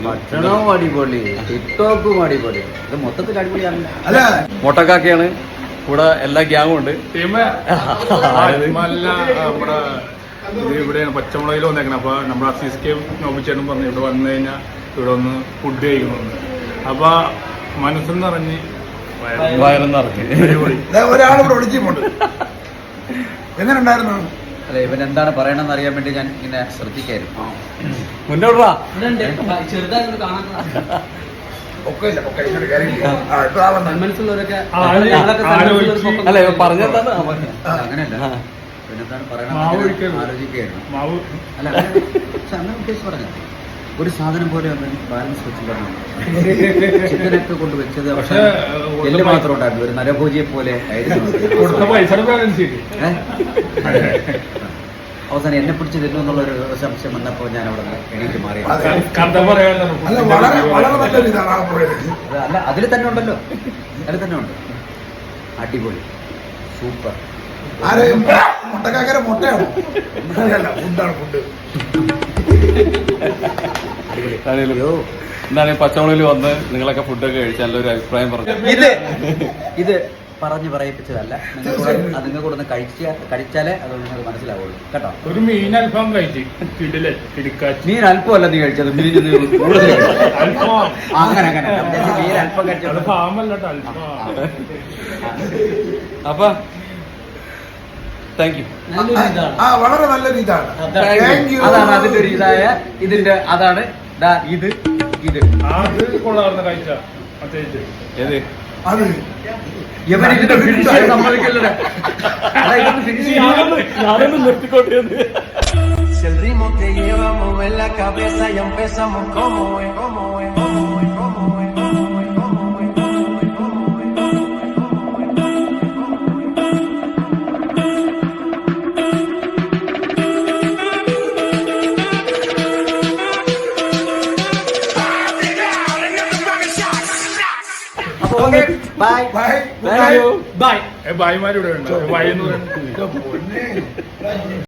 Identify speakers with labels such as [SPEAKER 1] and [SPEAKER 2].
[SPEAKER 1] ഭക്ഷണവും അടിപൊളി, ടിക്ടോക്കും അടിപൊളി, ഇത് മൊത്തത്തിൽ അടിപൊളിയാണ്.
[SPEAKER 2] മൊട്ടക്കാക്കയാണ് കൂടെ, എല്ലാ ഗ്യാങ്ങും ഉണ്ട്.
[SPEAKER 3] ഇവിടെയാണ് പച്ചമുളകിൽ വന്നേക്കണം. അപ്പൊ നമ്മുടെ അസീസ്കേം നോബിച്ചേട്ടൻ പറഞ്ഞു ഇവിടെ വന്നു കഴിഞ്ഞാൽ ഇവിടെ ഒന്ന് ഫുഡ് കഴിക്കണമെന്ന്. അപ്പൊ മനസ്സെന്ന് പറഞ്ഞ്
[SPEAKER 2] വയറെന്നിറക്കി
[SPEAKER 4] ഒരാളിവിടെ ഒളിച്ചിട്ടുണ്ട്. എങ്ങനെ ഉണ്ടായിരുന്നു?
[SPEAKER 1] അല്ലെ, ഇവൻ എന്താണ് പറയണമെന്ന് അറിയാൻ വേണ്ടി ഞാൻ ഇങ്ങനെ ശ്രദ്ധിക്കായിരുന്നു.
[SPEAKER 2] മുന്നോട്ടാ
[SPEAKER 1] മനസ്സിലുള്ളവരൊക്കെ
[SPEAKER 2] അല്ല പറഞ്ഞെന്താണ്
[SPEAKER 1] അങ്ങനെയല്ല, പിന്നെന്താണ് പറയണമെന്ന് ആലോചിക്കുകയായിരുന്നു. അല്ല പക്ഷെ അങ്ങനെ ഉദ്ദേശിച്ച് പറഞ്ഞു, ഒരു സാധനം പോലെ ബാലൻസ് വെച്ചിട്ടുണ്ടായിരുന്നു. ചിക്കനൊക്കെ കൊണ്ട് വെച്ചത് പക്ഷെ എല്ല് മാത്രം ഉണ്ടായിരുന്നു, ഒരു നരഭോജിയെ പോലെ ആയിരുന്നു. അവസാനം എന്നെ പിടിച്ച് തരുന്നു എന്നുള്ളൊരു സംശയം വന്നപ്പോൾ ഞാൻ അവിടെ എണീറ്റ് മാറി. അല്ല, അതിൽ തന്നെ ഉണ്ടല്ലോ, അതിൽ തന്നെ ഉണ്ട്. അടിപൊളി, സൂപ്പർ.
[SPEAKER 4] മുട്ടയാണ് ഫുഡ്.
[SPEAKER 2] എന്താണ് പച്ചമുളകിൽ വന്ന് നിങ്ങളൊക്കെ ഫുഡൊക്കെ കഴിച്ച് നല്ലൊരു അഭിപ്രായം പറഞ്ഞു.
[SPEAKER 1] ഇത് പറഞ്ഞ് പറയിപ്പിച്ചതല്ല, നിങ്ങൾ കൂടെ ഒന്ന് കഴിച്ചാലേ അത് നിങ്ങൾക്ക് മനസ്സിലാവുള്ളൂ കേട്ടോ.
[SPEAKER 3] ഒരു മീൻ അൽഫാം കഴിച്ചു.
[SPEAKER 1] മീൻ അല്പമല്ല നീ കഴിച്ചത്, മീൻ അങ്ങനെ അങ്ങനെ മീൻ അല്പം കഴിച്ചത്.
[SPEAKER 2] അപ്പൊ താങ്ക് യു.
[SPEAKER 4] വളരെ നല്ലൊരു ഇതാണ്.
[SPEAKER 1] അതാണ് അതിന്റെ ഒരു ഇതായ ഇതിന്റെ അതാണ് ഇത് ഇത്
[SPEAKER 3] കൊള്ളാറുന്ന കാഴ്ച.
[SPEAKER 2] ഏത്
[SPEAKER 4] അത്
[SPEAKER 1] ഇവനിതിന്റെ ഫിനിഷ് സമ്മതിക്കല്ലേ,
[SPEAKER 2] ഞാനൊന്ന് നിർത്തിക്കോട്ടെ.
[SPEAKER 5] Si el ritmo te lleva a mover la cabeza y empezamos como es, como es, como es, como es, como es, como es,
[SPEAKER 1] bye
[SPEAKER 4] bye
[SPEAKER 3] ഭായിമാരിവിടെ ഉണ്ട്.